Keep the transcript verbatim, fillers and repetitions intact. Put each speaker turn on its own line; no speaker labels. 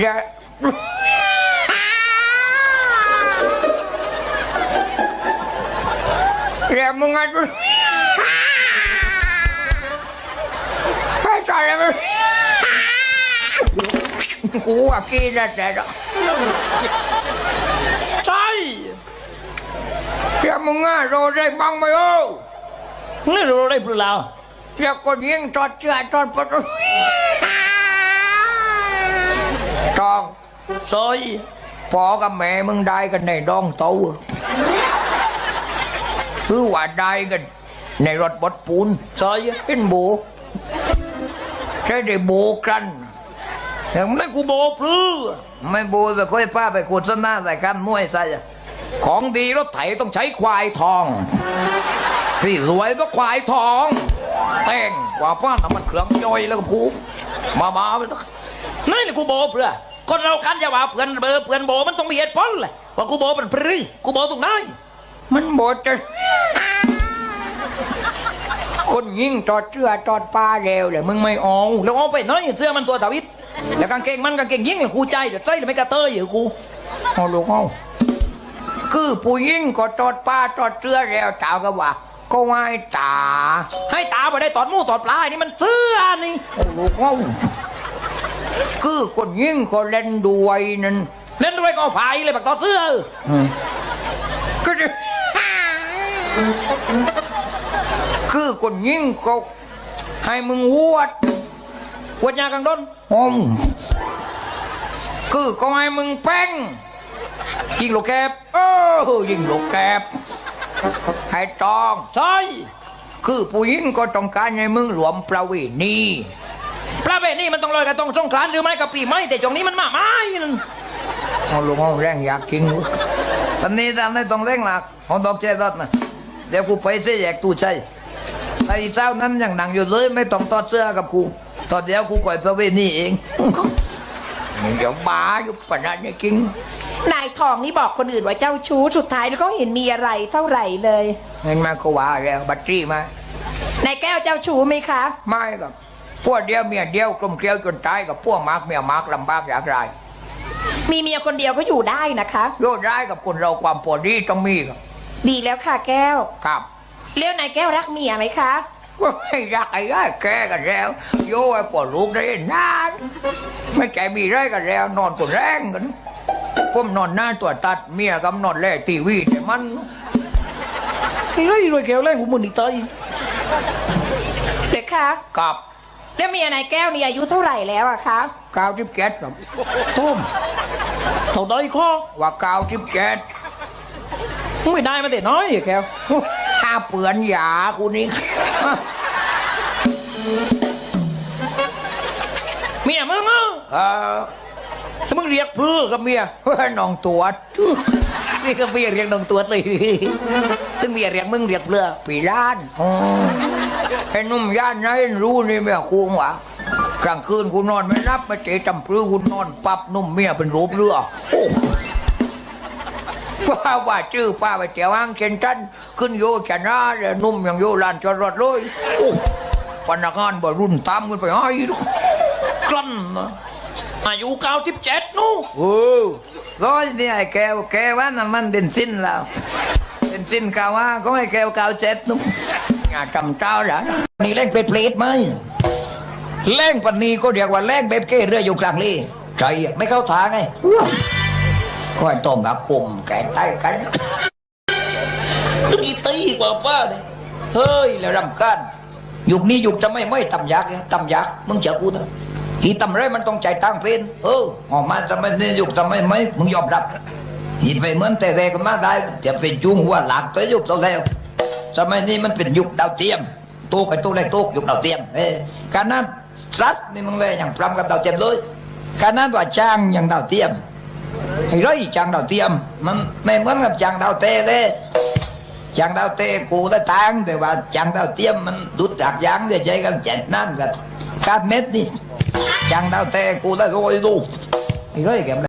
เดี๋ยวเดี๋ยวมึงอ่ะให้ตายเลยกูว่ากินแล้วแต่ใช่เดี๋ยวมึงอ่ะโดนได้บ้างไหมโอ้นี่โดนได้เปล่าเดี๋ยวคนยิงจอดเชือจอดประตูตองซอยพ่อกับแม่มึงได้กันในดองเตาคือว่าได้กันในรถบดปูนซอยเป็นโบใช่ได้โบกันแต่ไม่กูโบพลื้ไม่โบจะค่อยป้าไปขุดสนาใส่กันมวยใส่ของดีรถไถต้องใช้ควายทองที่สวยต้องควายทองแต่งกว่าป้าน้ำมันเครื่องย่อยแล้วก็พูมามาไปต้องนั่นแหละกูโบเพื่อคนเราคันจะว่าเพื่อนเบอร์เพื่อนโบมันต้องมีเหตุผลแหละว่ากูโบเป็นพรีกูโบตรงไหนมันโบจะคนยิงจอดเสื้อจอดปลาเร็วเลยมึงไม่เอาแล้วเอาไปน้อยเสื้อมันตัวสาวิตแล้วกางเกงมันกางเกงยิงอย่างกูใจเดี๋ยวใจเดี๋ยวไม่กระเตยอยู่กูเอาลูกเอาคือผู้ยิงก็จอดปลาจอดเสื้อแล้วเจ้าก็ว่าก็ให้ตาให้ตาไปได้ตอดมูตอดปลานี่มันเสื้อนี่โอ้ลูกเอาคือคนยิงก็เล่นด้วยนั่นเล่นด้วยก็ไฟเลยแบบต่อเสื้อก็จะคือคนยิงก็ให้มึงวดวดยากังด้นอมคือก็ให้มึงแป้งยิงลูกแกบเออยิงลูกแกบให้ตองใช่คือผู้หญิงก็ต้องการให้มึงรวมประเวณีประเวณีมันต้องลอยกระตงสงกรานต์หรือไม่กับปีใหม่แต่ช่วงนี้มันมาไม่นั่นเอาลงเอาแรงอยากกินตอนนี้ทำไม่ต้องเร่งหลักเอาดอกเจรถนะเดี๋ยวกูไปเสียแยกตู้ใจไอ้เจ้านั้นยังนั่งอยู่เลยไม่ต้องตอดเสื้อกับกูตอนเดียวกูก่อยประเวณีเองเดี๋ยวบ้าอยู่ปนัดนี่กิน
นายทองนี่บอกคนอื่นว่าเจ้าชู้สุดท้ายแล้วก็เห็นมีอะไรเท่าไหร่เลย
เห็นมาก็ว่าแล้วบัตรจี้มาน
ายแก้วเจ้าชู้ไหมคะ
ไม่กับพวกเดียวเมียเดียวกลมเกลียวจนตายกับพวกมากเมียมากลำบากอยากไร
มีเมียคนเดียวก็อยู่ได้นะคะ
โยดได้กับคนเราความปวดดีต้องมีครับ
ดีแล้วค่ะแก้ว
ครับ
เลี้ยวนายแก้วรักเมียไหมคะ
ก็ไม่รักไอ้ได้แกกันแล้วโย่ไอ้ปวดลูกได้นานไม่ใจมีไรกันแล้วนอนกดแรงกันผมนอนหน้าตัวตัดเมียกับนอนแล่ตีวีแต่มัน
ไอ้ไรรวยแก้วแรงของมึงอีกตายเด็กคะ
กับ
แล้วเมียนายแก้วนี่อายุเท่าไหร่แล้วอะคะ
เก้าสิบเจ็ดครับ
ต้มเท่าใดข้อ
ว่าเก้าสิบเจ็ด
ไม่ได้มาแต่น้อยแก้ว
ถ้าเปื่อนยาคุณนี่
เมียมึงอ่ะ
เออ
มึงเรียกเพื่อกับเมีย
น้องตัว
นี่ก็เมียเรียกน้องตัวเลยตึงเมียเรียกมึงเรียกเพื่อ
ปีล้านไอ้นุ่มย่านนั้นรู้นี่เมียคุ้งวะกลางคืนกูนอนไม่รับมาเจ๊จำพลื้กูนอนปั๊บนุ่มเมียเป็นรูปเรือว่าว่าชื่อป้าไปเจ้าอ้างเช่นฉันขึ้นโยชนะแล้วนุ่มอย่างโยลานจอดรถเลยพนักงานบ่รุ่นตามกันไปให้
กลั้นอายุเก้าสิบเจ็ดนู้
โอ้ร้อยนี่ไอ้แก้วแก้วว่าน้ำมันเบนซินแล้วเบนซินกาว่าก็ให้แก้วเก้าเจ็ดนู้อย่าจำเจ้าหรอนี่เล่นเปรตไหมเล่นปันนี้ก็เรียกว่าเล่นเบบเกเรืออยู่กลางเล่ใจไม่เข้าทางไงก็ต้องกับกลุ่มแก่ใต้กันอีตีกว่าป้าเลยเฮ้ยแล้วรำกันยุคนี้ยุคจะไม่ไม่ตำยักษ์ตำยักษ์มึงเจอกูนะที่ตำไรมันต้องใจตั้งเป็นเออออกมาจะไม่เนี่ยยุคจะไม่ไม่มึงยอมรับที่ไปเหมือนแต่แรกก็มาได้จะเป็นจุ้งหัวหลักตัวยุคตัวแล้วสมัยนี้มันเป็นยุคดาวเทียมโตกับโตแรกโตยุคดาวเทียมเออการนั้นซัดนี่มึงเลยอย่างพรำกับดาวเทียมเลยการนั้นว่าจ้างอย่างดาวเทียมไอ้ไรจางดาวเทียมมันไม่เหมือนกับจางดาวเตะเลยจางดาวเตะกูได้ตังแต่ว่าจางดาวเทียมมันดุดจากยางจะใจกันเจ็ดนั่นกันการเม็ดนี่จางดาวเตะกูได้โรยดูไอ้ไรแก